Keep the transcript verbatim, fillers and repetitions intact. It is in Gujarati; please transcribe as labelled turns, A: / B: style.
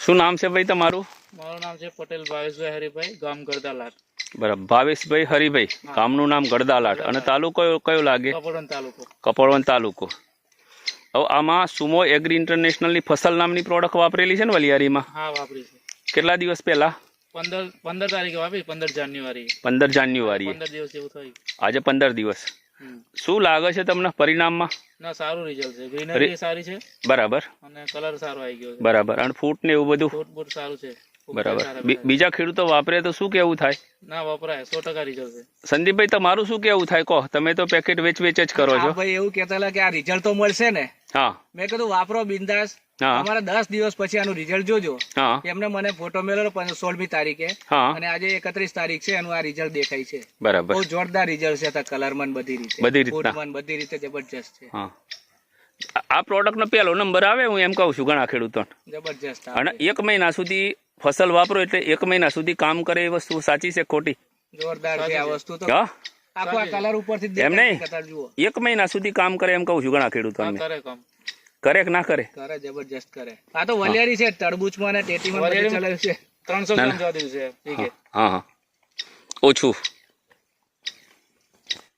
A: શું નામ છે ભાઈ તમારું?
B: મારું નામ છે પટેલ ભાવેશભાઈ હરિભાઈ, ગામ ગરદાલાટ.
A: બરાબર, ભાવેશભાઈ હરિભાઈ, ગામનું નામ ગરદાલાટ અને તાલુકો કયો લાગે?
B: કપડવંત તાલુકો.
A: કપડવંત તાલુકો. હવે આમાં સુમો એગ્રી ઇન્ટરનેશનલની ફસલ નામની પ્રોડક્ટ વાપરેલી છે ને વલિયારીમાં?
B: હા, વાપરી છે.
A: કેટલા દિવસ પહેલા?
B: પંદર પંદર તારીખે વાપરી, પંદર જાન્યુઆરી.
A: પંદર જાન્યુઆરી.
B: પંદર દિવસ જેવું થયું.
A: આજે પંદર દિવસ. શું લાગે છે તમને પરિણામમાં?
B: ના, સારું રિઝલ્ટ છે. ગ્રીનરી સારી છે.
A: બરાબર.
B: અને કલર સારો આવી ગયો છે.
A: બરાબર. અને ફૂટ ને એવું બધું?
B: ફૂટ બૂટ સારું છે.
A: બરાબર. બીજા ખેડૂતો વાપરે તો શું કેવું થાય?
B: ના, વપરાય. સો ટકા રિઝલ્ટ છે.
A: સંદીપભાઈ, તમારું શું કેવું થાય? કહો, તમે તો પેકેટ વેચ વેચ જ કરો છો.
C: ભાઈ એવું કહેતા કે આ રિઝલ્ટ તો મળશે ને.
A: હા,
C: મેં કીધું વાપરો બિંદાસ. અમારા દસ દિવસ પછી આનું રિઝલ્ટ જોજો. એમને મને ફોટો મેળવેલો સોળમી તારીખે, અને આજે એકત્રીસ તારીખ છે, એનું આ રિઝલ્ટ દેખાય છે.
A: બરાબર.
C: બહુ જોરદાર રિઝલ્ટ છે. કલર મન બધી રીતે,
A: બધી રીતે
C: બધી રીતે જબરજસ્ત છે.
A: આ પ્રોડક્ટ નો પહેલો નંબર આવે, હું એમ કહું છું ઘણા ખેડૂતો.
C: જબરજસ્ત.
A: અને એક મહિના સુધી ફસલ વાપરો એટલે એક મહિના સુધી કામ કરે એ વસ્તુ સાચી છે ખોટી?
C: જોરદાર છે આ વસ્તુ તો. આખો આ કલર ઉપરથી
A: એમ નહીં, એક મહિના સુધી કામ કરે એમ કહું છું ઘણા ખેડૂતો. કરે કે ના કરે?
C: કરે, જબરજસ્ત કરે. આ તો વલિયારી છે, તરબૂચમાં ને ટેટીમાં ચલાવ્યું છે.
B: ત્રણસો ગ્રામ જવા દીધું છે.
A: હા હા, ઓછું.